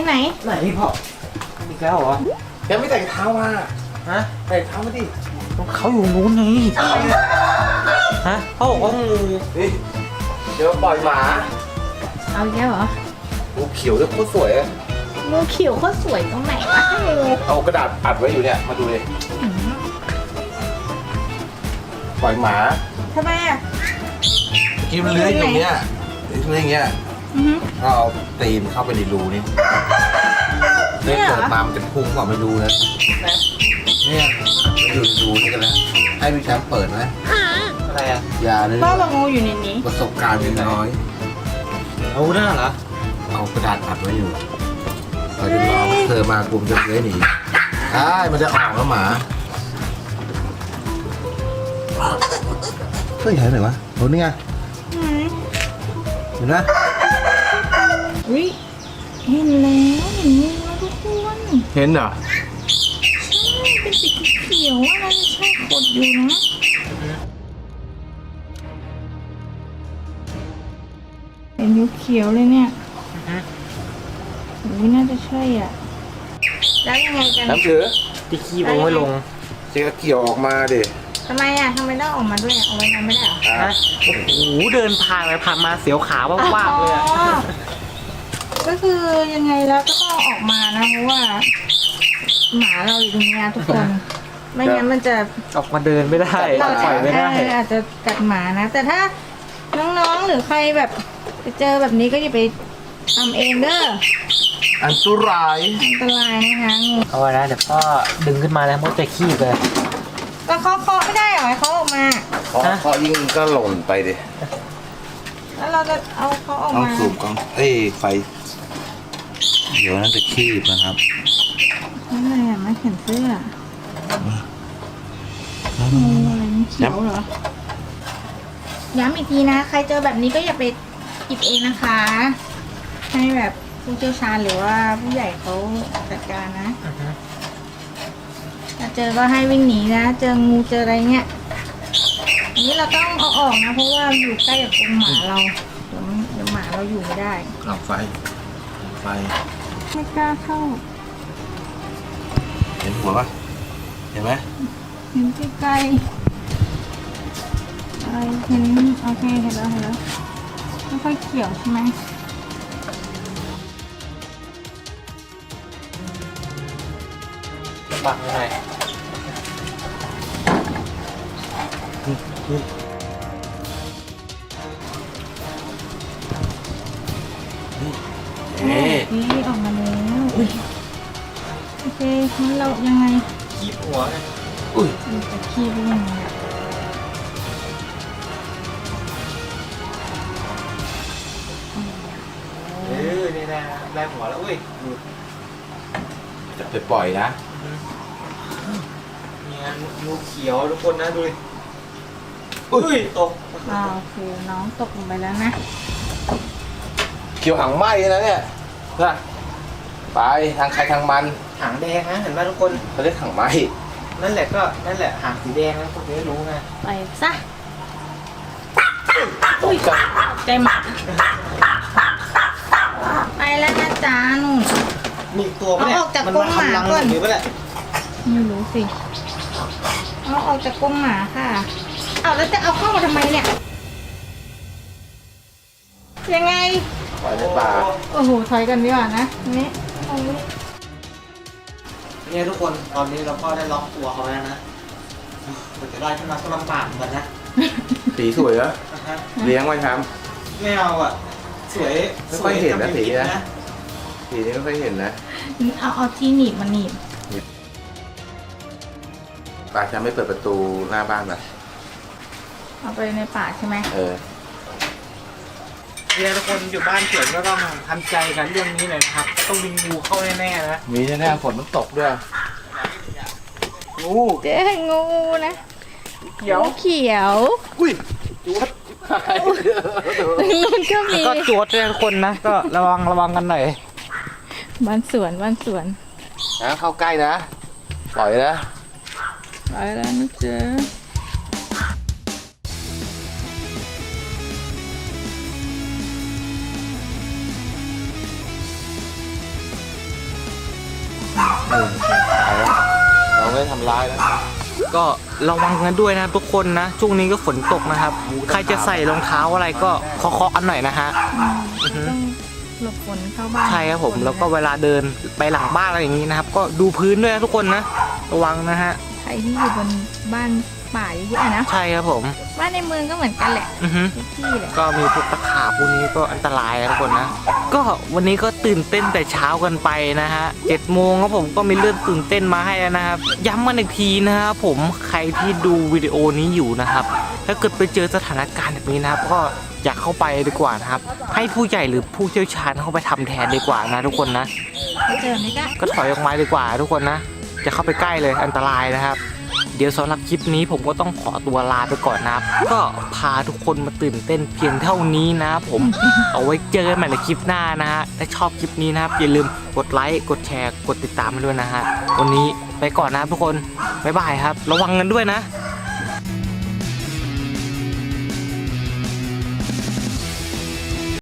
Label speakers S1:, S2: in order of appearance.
S1: ไหน
S2: พี่พ่ออีกแล้วเหรอ
S3: ยังไม่แต่งเท้ามา
S2: ฮะ
S3: แต่งเท้ามาดิ
S2: เขาอยู่นู้นไงฮะเขาบอกว่างู
S3: นี่เดี๋ยวปล่อยหมา
S1: เอาอีกแล้วเหรอ
S3: งูเขียวด้วยโคตรสวยอะ
S1: งูเขียวเขาสวยตรงไหนวะงู
S3: เอากระดาษอัดไว้อยู่เนี่ยมาดูเลยปล่อยหมา
S1: ทำไมอ่ะ
S3: กินมันเลื้อยอยู่เนี้ยเลื้อยอย่างเงี้ยก็เอาตีนเข้าไปในรูนี่เลื้อยเปิดมามันจะพุ่งกว่าไม่รู้นะเนี่ยมันอยู่ในรูนี่กันแล้วให้พี่แชมป์เปิดไหม
S2: อะไรอ่ะ
S3: อย่าเลย
S1: พ่อบอกงูอยู่ในนี้
S3: ประสบการณ์มีน้อย
S2: เอาหน้าเหรอ
S3: เอากระดาษอัดไว้อยู่เราจะรอเธอมากลุ่มจะเลื้อยหนีใช่มันจะออกแล้วหมาเฮ้ยหายไหนวะโหนี่ไงเห็นไหม
S1: อุ้ยเห็นแล้วเห็นงูแล้วทุกคน
S3: เห็นเหรอ
S1: เป็นสีเขียวอะไรจะใช่ขดอยู่นะเห็นเขียวเลยเนี่ยอุ้ยน่าจะใช่อ่ะแล้วยังไงกัน
S3: น้ำถือ
S2: ที่ขี้ลงไม่ลง
S3: เจ๊ก็เกี่ยวออกมาดิ
S1: ทำไมอ่ะทำไมต้องออกมาด้วยเอาไว้ทำไม่ได้เหรอ
S2: ฮะโอ้โหเดินผ่านไปผ่านมาเสียวขาว่าบๆเลยอะ
S1: อ๋อก็คือยังไงแล้วก็ต้องออกมานะเพราะว่าหมาเราอยู่ตรงนี้ทุกคน ไม่งั้นมันจะ
S2: ออกมาเดินไม่ได้ปล่อยไม่ได้
S1: อาจจะกัดหมานะ แต่ถ้าน้องๆหรือใครแบบไปเจอแบบนี้ก็อย่าไปทำเองเด้อ
S3: อันตราย
S1: อันตรายนะคะงู
S2: เอาไว้นะเดี๋ยวพ่อดึงขึ้นมาแล้วมันจะขี้เลย
S1: ก็เคาะไม่ได้เหรอให้เขาออกมา
S3: เพราะยิ่งก็หล่นไปดิ
S1: แล้วเราจะเอาเขาออก
S3: ต้อง
S1: มา
S3: สูบกล้องไฟ เดี๋ยวนั้นจะคีบนะครับ
S1: นั่นอะไรอ่ะไม่เห็นเสื้องูอะไรนี่เขียวเหรอย้ำอีกทีนะใครเจอแบบนี้ก็อย่าไปหยิบเองนะคะ ให้แบบผู้เชี่ยวชาญหรือว่าผู้ใหญ่เขาจัดการนะ ถ้าเจอก็ให้วิ่งหนีนะ เจองูเจออะไรเงี้ยอันนี้เราต้องเอาออกนะ เพราะว่าอยู่ใกล้กับกรงหมาเราเดี๋ยวหมาเราอยู่ไม่ได้
S3: เอาไฟ
S1: ไม่กล้าเข้า
S3: เห็นหัวปะเห็นไหม
S1: เห็นใกล้ๆอะไรเห็นโอเคเห็นแล้วไม่ค่อยเขียวใช่ไหม
S2: บังหน่อย
S1: นี่ออกมาแล้วโอเคงั้นเรายังไง
S2: ขี้หัวไง
S3: อุ้ย
S1: เราจะขี้ได้ยังไงอะ
S2: นี่นะได้หัวแล้วเว้ย
S3: จะไปปล่อยนะ
S2: เนี่ยงูเขียวทุกคนนะดูดิอุ้ยตก
S1: โอเคน้องตกลงไปแล้วนะ
S3: เขียวหางไหมนะเนี่ยนะไปทางใครทางมัน
S2: หางแดงนะเห็นไหมทุกคน
S3: เขาเรียกหางไหม
S2: นั่นแหละก็นั่นแหละหางสีแดงนะพวกนี้รู้ไง
S1: ไปซะอุ้ยใจหมาไปแล้วนะจ๊ะนุ่น
S2: มีตัวปะเนี่ย
S1: เอาออกจาก
S2: มัน
S1: กรง
S2: มา
S1: หมา
S2: ทำรัง
S1: ก่อน
S2: หรือเปล่าเนี่ย
S1: ไม่รู้สิเอาออกจากกรงหมาค่ะเอาแล้วจะเอาเข้ามาทำไมเนี่ยยังไง
S3: ปล่อยในป่า
S1: โอ้โหถอยกันดีกว่านะนี่เอาไว้
S2: เนี่ยทุกคนตอนนี้เราก็ได้ล็อกตัวเขาแล้วนะกว่าจะได้ขึ้นมาก็ลำบากเหมือนกันนะ
S3: สีสวยเหรอ
S2: นะฮะ
S3: เลี้ยงไว้ครับ
S2: ไม่เอาอ่ะสวย
S3: ไม่ค่อยเห็นนะ
S2: สวย
S3: สีนะ
S2: จำเป็
S3: สีนี้ไม่ค่อยเห็นนะ
S1: เอาที่หนีบมาหนีบ
S3: ป่าจะไม่เปิดประตูหน้าบ้านป่ะ
S1: เอาไปในป่าใช่ไหม
S2: เนี่ยทุกคนอยู่บ้านเฉยก็ต้องทำใจกันเรื่องนี้หน่อยนะครับต้องมีงูเข้าแน่ๆนะ
S3: มีแน่ๆฝนมันตกด้วย
S2: งู
S1: เจ๊งูนะเขียวเขียว
S3: อุ้ยจุ๊บ
S1: นู่นก็มี
S2: ก็จวดเลยทุกคนนะก็ระวังกันหน่อย
S1: บ้านสวน
S3: นะเข้าใกล้นะ ปล่อยนะ
S1: ไปแล้วนะเจ๊
S3: ได้ทำร้ายนะ
S2: ก็ระวังกันด้วยนะทุกคนนะช่วงนี้ก็ฝนตกนะครับ ใครจะใส่รองเท้าอะไรก็เคาะๆกันหน่อยนะฮะ
S1: ต้องหลบฝนเข้าบ้าน
S2: ใช่ครับผมแล้วก็เวลาเดินไปหลังบ้านอะไรอย่างนี้นะครับ ก็ดูพื้นด้วยนะทุกคนนะระวังนะฮะ
S1: ใครที่อยู่บนบ้านป่าเยอะๆนะ
S2: ใช่ครับผม
S1: บ้านในเมืองก็เหมือนกันแหละ
S2: อือฮึ
S1: ทุกที่แหละ
S2: ก็มีพวกตะขาบพวกนี้ก็อันตรายนะทุกคนนะก็วันนี้ก็ตื่นเต้นแต่เช้ากันไปนะฮะ7 โมงครับผมก็มีเรื่องตื่นเต้นมาให้แล้วนะครับย้ำกันอีกทีนะครับผมใครที่ดูวิดีโอนี้อยู่นะครับถ้าเกิดไปเจอสถานการณ์แบบนี้นะครับก็อยากเข้าไปดีกว่านะครับให้ผู้ใหญ่หรือผู้เชี่ยวชาญเข้าไปทำแทนดีกว่านะทุกคนนะ
S1: ไปเจอไม่ได้
S2: ก็ถอยออกมาดีกว่าทุกคนนะจะเข้าไปใกล้เลยอันตรายนะครับ เดี๋ยวสำหรับคลิปนี้ผมก็ต้องขอตัวลาไปก่อนนะครับ ก็พาทุกคนมาตื่นเต้นเพียงเท่านี้นะครับผม เอาไว้เจอกันใหม่ในคลิปหน้านะฮะถ้าชอบคลิปนี้นะครับอย่าลืมกดไลค์กดแชร์กดติดตามมาด้วยนะฮะวันนี้ไปก่อนนะครับทุกคนบ๊ายบายครับระวังกันด้วยนะ